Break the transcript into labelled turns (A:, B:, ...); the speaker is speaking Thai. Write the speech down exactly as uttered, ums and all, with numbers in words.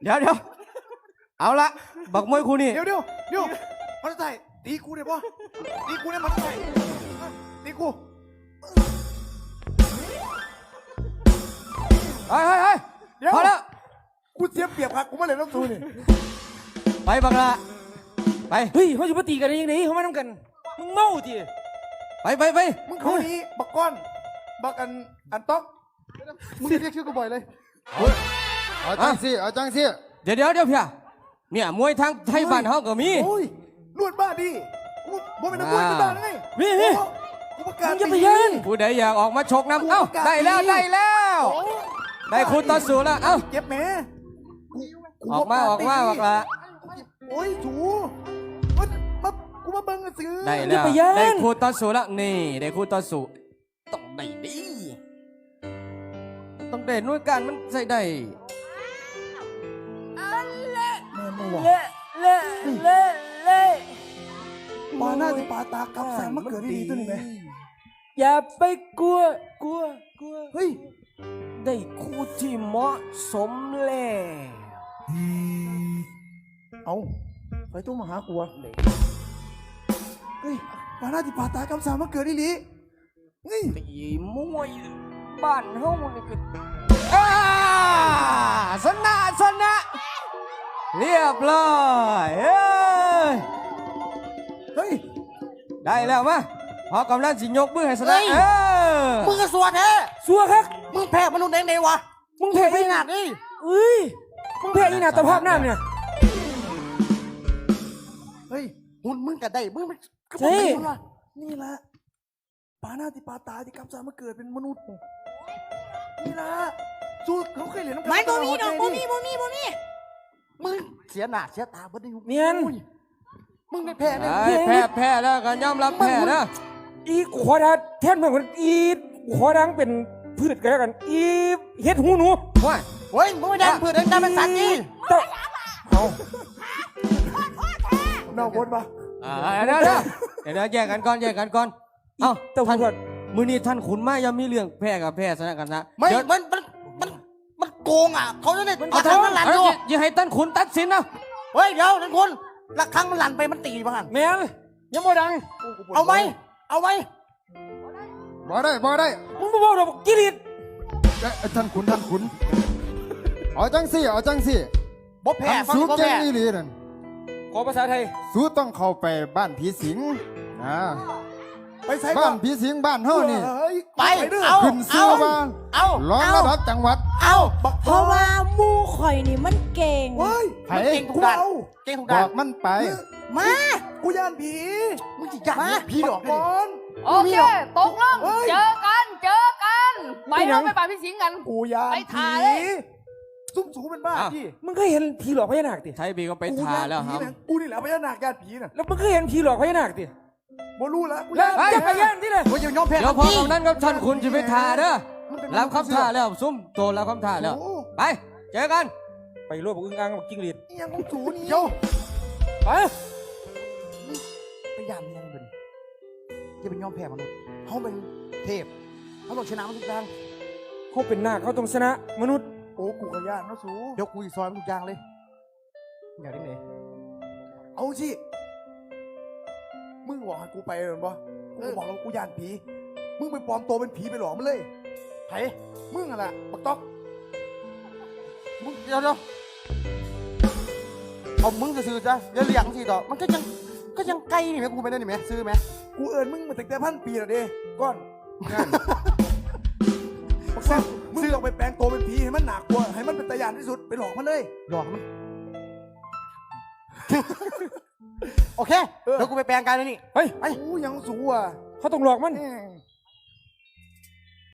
A: เดี๋ยวเดี๋ยวเอาละบักมวยคู่นี่
B: เดี๋ยวเดี๋ยวเดี๋ยวมันจะใส่ตีกูได้ปะตีกูได้มันจะใส่ตีกู
A: เฮ้ยเฮ้ยเฮ้ยพอแล้ว
B: กูเสียเปรียบครับกูไม่เลยต้องสู้นี่
A: ไปบักละไป
C: เฮ้ยเขาจะมาตีกันได้ยังไงเขามาทำกันมึงเมาจี
A: ไปไปไป
B: มึงเขานี้บักก้อนบักอันอันต๊อกมึงเรียกชื่อกูบ่อยเลย
D: เอาจังสิเอาจังสิ
A: เดี๋ยวเดี๋ยวเดี๋ยวเพี่ยเนี่ยมวยทางไทยบ้านเฮาก็มี
B: โอ้ยนวดบ้าดิกูบ่เป็นนักมวยบ้าไง
C: นี่นี่
B: กูประกาศ
C: มึงจะไปยัน
A: ผู้ใดอยากออกมาชกน้ำเอ้าได้แล้วได้แล้วได้คุณต่อสู้แล้วเอ้า
B: เจ็บแหม
A: ออกมาออกมาบักละ
B: โอ้ยถูมันมากูมาเบิ่งซื้อ
A: ได้แล้วได้คุณต่อสู้แล้วนี่ได้คุณต่อสู้ต้องได้ดีต้องได้หน่วยการมันใส่ได้
B: แม่ไม่ไหว
C: เละเละเละเละ
B: ปลาหน้าที่ปลาตากับแสงมาเกิดดีตัวนี้ไหม
C: อย่าไปกลัวกลัวกลัว
B: เฮ้ย
C: ได้คู่ที่เหมาะสมแล้ว
B: เอาไปตู้มาหากูอะเฮ้ยปลาหน้าที่ปลาตากับแสงมาเกิดดีลีเฮ้ย
C: ตีมวยบ้านเฮานี่คือ
A: อ่าชนะชนะเรียบร้อยเอ้ย
B: เฮ้ย
A: ได้แล้วมาพอกำลังสิยกมือให้ชนะ
E: เฮ้ย
A: เออ
E: มึงก็สวดแท้
C: สัวครับ
E: มึงแพ้มนุษย์ได้ไงวะ
C: มึงแพ้
E: ไม่
C: อี
E: หนักดิ
C: เอ้ยมึงแพ้อีหนาตะภาพน้ำเนี่ย
B: เฮ้ย
E: หุ่นมึงก็ได้ มึงมันก็
C: ใช่
E: บอกมึงว่า
B: นี่แหละปลาหน้าที่ปลาตาที่กับแสงมาเกิดเป็นมนุษย์นี่แหละสู้เขาเคยเรียนน้ำ
E: ไม่
B: ตา
E: บ่มีดอก
B: หั
E: บ่
B: วใจ
E: มีบ่มีบ่มีมึงเสียหน้าเสียตาบ่ได้
C: เนียน
E: มึงไม่แพ้เลย
A: ไอ้แพ้แพ้แล้วกันยอมรับแพ้นะ
C: อีขอดาแทนเพื่อนคนอีขอดังเป็นพืชกันแล้วกันอีเฮ็ดหูหนู
A: ว่า
E: เฮ้ยมึงไม่ได้เพื่อนได้เป็นสัตว์นี่
C: เต้า
B: เน่าบนปะ
A: อ่าเดี๋ยวเดี๋ยวเดี๋ยวเดี๋ยวแยกกันก่อนแยกกันก่อนเอ้า
C: เต้า
A: ท่าน
C: เพื่อน
A: มือนี้ท่านขุนมายังมีเรื่องแพ้กับแพ้ชนะกันนะ
E: ไม่
A: เดี๋ยว
E: มันมันมันมันโกงอ่ะเขาจะได้
A: เอา
E: ระ
A: เถ
E: ฆัง
A: อะ
E: มันหลั่น
A: เอา
E: อยู่
A: อย่าให้ท่านขุนตัดสินนะ
E: เฮ้ยเดี๋ยวท่านคนระฆังมันหลั่นไปมันตีบ้าง
C: แม่งยังบ่ดัง
E: เอาไหมเอาไหม
D: บ่ได้บ่ได้
C: มึงบ่บอกดอกกิริต
D: เอ้ยท่านขุนท่านขุนเอาจังสิเอาจังสิ
E: บ่แพ้
D: ทำ
E: ฟัง
D: สู้
E: บ่
D: เก่ง
E: แพ้
D: อีหลีนั่น
C: ขอภาษาไทย
D: สู้ต้องเข้าไปบ้านผีสิงนะ
B: ไปใส่
D: บ้านผีสิงบ้านเฮานี่
B: เฮ้ย
E: ไป
B: ด้อ
E: เอา
D: ขึ้นสู้บ้าน
E: เอา
D: ร้องระดับจังหวัด
E: เอา
B: บัก
F: เพราะว่าหมู่ข่อยนี่มันเก่ง
B: เฮ้ย
D: ไผ
E: มันเก่งทุก
B: กู
E: ด้าน
B: เอา
E: เก่งทุก
D: บ
E: ด้า
D: อน กมันไป
E: มา
B: กูย่านผี
E: มึงจะยัดผีหลอกได้
B: ก่
E: ดิ
B: อน
G: โอเค ตกลง
B: เฮ้ย
G: เจอกัน เจอกันไปเราไปป่าพี่สิงห์กัน
B: กูย่าน
G: ไป
B: ผี
G: ถ่ายเลย
B: ซุ่มสูเป็นบ้าพี่
C: มึงเคยเห็นผีหลอกพญานาคติ
A: ไทยบีก็ไป
B: กู
A: ทา
B: ย่าน
A: แล้วค
B: ผี
A: รับ
B: นะกูนี่แหละพญานาคย่านผีน่ะ
C: แล้วมึงเคยเห็นผีหลอกพญานาคติ
B: บ่รู้แล้วกู
C: แล้ว
B: ย่าน
C: จะไปย่านที่ไหน
E: โอ้ยยอมแพ้
A: เดี๋ยวพอตรงนั้นก็ท่านขุนจะไปทาเด้อ
B: มันเป็น
A: รับคำท่าแล้วซุ่มโตรับคำท่าแล้ว
B: โอ้
A: ไปเจอกัน
C: ไปรวบอึ้งอ่างกับจิ้งหรีด
B: ยยังของสูนี่
E: โย
C: ไป
E: พยายามยังเป็นจะเป็นยอมแพ้มนุษย์เขาเป็นเทพเขาต้องชนะมันทุกอย่าง
C: เขาเป็นนาคเขาต้องชนะมนุษย์
B: โอ้กูก็ย่านเนาะสู
E: เดี๋ยวกูอีซอยมันทุกอย่างเลยอยากได้ไหน
B: เอาสิมึงบอกให้กูไปเหรอปะกูบอกแล้วกูย่านผีมึงไปปลอมตัวเป็นผีไปหลอกมันเลย
E: ไผ่
B: มึงอะล่ะบักต๊อก
E: มึงเดี๋ยวเดี๋ยวเอามึงจะซื้อจ้ะเดี๋ยวเลี้ยงทีต่อมันก็ยังก็ยังไกลนี่ไหมกูไปได้นี่ไหมซื้อไหม
B: กูเอิญมึงมาตั้งแต่พันปีแล้วเด้ก้อนงานบักแซ่บมึงต้องไปแปลงตัวเป็นผีให้มันหนักกว่าให้มันเป็นตะยานที่สุดไปหลอกมันเลย
E: หลอกมัน โอเคเดี๋ยวกูไปแปลงกายเลยนี่
C: เฮ้ย
B: ไอ้กูยังสูอ่ะ
C: เขาต้องหลอกมัน
B: แม่ง